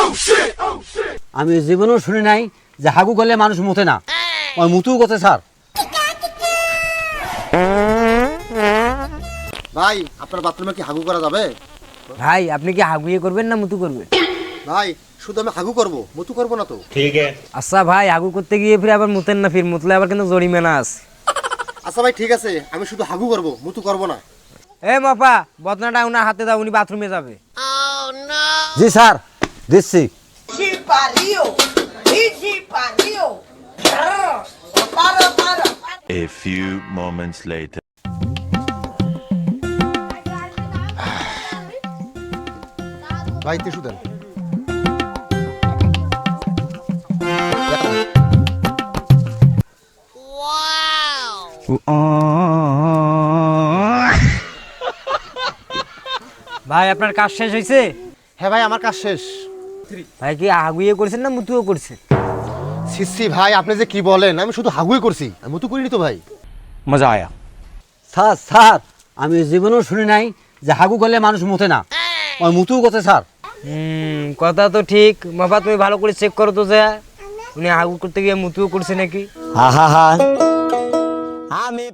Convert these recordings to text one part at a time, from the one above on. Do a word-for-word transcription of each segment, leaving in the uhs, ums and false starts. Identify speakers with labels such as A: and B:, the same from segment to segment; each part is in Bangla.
A: আমি জীবনেও শুনি নাই যে হাগু করলে মানুষ মুতে না, ওই মুতুও করছে স্যার।
B: ভাই আপনার বাথরুমে কি হাগু করা যাবে?
C: ভাই আপনি কি হাগুয়ে করবেন না মুতু করবেন?
B: ভাই শুধু আমি হাগু করব, মুতু করব না তো।
C: আচ্ছা ভাই হাগু করতে গিয়ে ফিরে আবার মুতেন না, ফির মুতলে আবার কিন্তু জরিমানা আছে।
B: আচ্ছা ভাই ঠিক আছে, আমি শুধু হাগু করব, মুতু করব না।
C: এ মাপা বদনাটা উনার হাতে দাও, উনি বাথরুমে যাবে।
A: জি স্যার দিচ্ছি।
D: A few moments later.
B: ভাই টিস্যু দেন।
C: ভাই আপনার কাজ শেষ হয়েছে?
B: হ্যাঁ ভাই আমার কাজ শেষ।
C: ভাই কি হাগুয়ে করছেন না মুতুও করছেন?
B: সিসি ভাই আপনি যে কি বলেন, আমি শুধু হাগুই করছি, আমি মুতু করিনি তো ভাই।
C: মজা আয়া।
A: স্যার স্যার আমি জীবনেও শুনি নাই যে হাগু করলে মানুষ মুতে না, ওই মুতুও করছে স্যার।
C: হুম কথা তো ঠিক। মাপা তুমি ভালো করে চেক করো তো যে উনি হাগু করতে গিয়ে মুতুও করছে নাকি।
A: হা হা হা আমি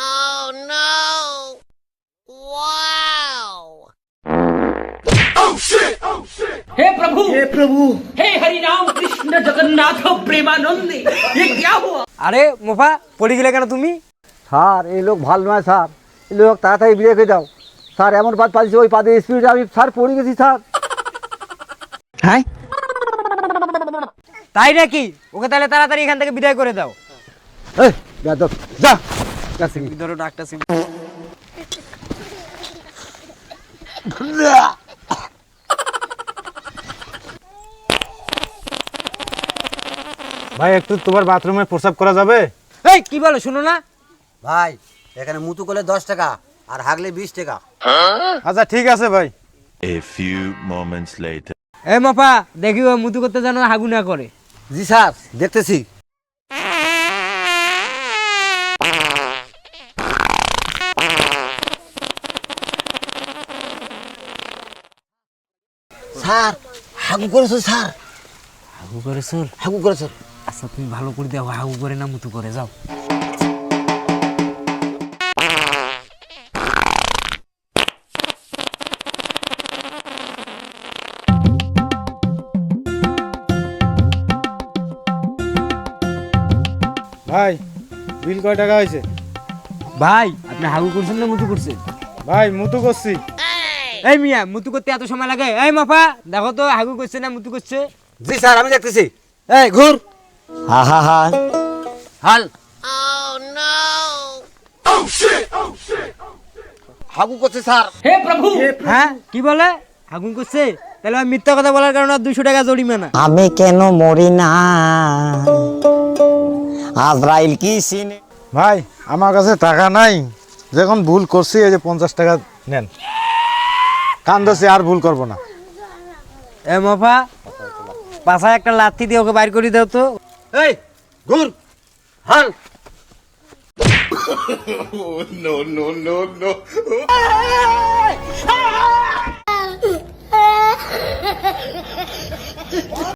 E: हे प्रभु हे प्रभु हे हरि राम कृष्ण जगन्नाथ प्रेमानंद ये क्या हुआ?
C: আরে মোফা পড়ে গেলে কেন তুমি?
A: স্যার এই লোক ভালো নয় স্যার, এই লোক তাড়াতাড়ি বিয়ে করে দাও স্যার। এমন পাদ পালিয়েছে ওই পাদের স্পিড আমি স্যার পড়ে গেছি স্যার।
C: হ্যাঁ তাই নাকি? ওকে তাহলে তাড়াতাড়ি এখান থেকে বিদায় করে দাও।
A: এই বেয়াদব, যা কাছে গিয়ে।
C: ধরো ডাক্তার সিং।
F: ভাই একটু তোমার বাথরুমে প্রস্রাব করা যাবে?
C: এই কি বলো শুনো না?
A: ভাই এখানে মুতু করলে দশ টাকা আর হাগলে বিশ টাকা।
F: আচ্ছা ঠিক আছে ভাই।
D: A few moments later.
C: এ মাপা দেখি ও মুতু করতে জানো হাগু না করে।
A: জি স্যার দেখতেছি। স্যার হাগু করেছো স্যার,
C: হাগু করেছো?
A: হাগু করেছো।
C: আচ্ছা তুমি ভালো করে দাও, হাগু করে না মুতু করে যাও।
F: ভাই বিল কয় টাকা হয়েছে?
C: ভাই আপনি হাগু করছেন না মুতু করছেন?
F: ভাই মুতু করছি।
C: এই মিয়া মুতু করতে এত সময় লাগে? এই মাপা দেখো তো হাগু করছে না মুতু করছে।
A: জি স্যার আমি দেখতেছি। এই ঘুর। হা হা হা হাল। হাগু করছে স্যার।
E: हे प्रभु
C: হ্যাঁ কি বলে হাগু করছে? তাহলে আমি মিথ্যা কথা বলার কারণে দুশো টাকা জরিমানা।
G: আমি কেন মরি না, আজরাইল কি সিনে।
F: ভাই আমার কাছে টাকা নাই, যখন ভুল করছি এই যে পঞ্চাশ টাকা নেন, কান্দছি আর ভুল করব না।
C: এ মাপা পাশায় একটা লাথি দিয়ে ওকে বাইর করে দাও তো।
A: এই ঘুর হাল।
H: Ha ha ha!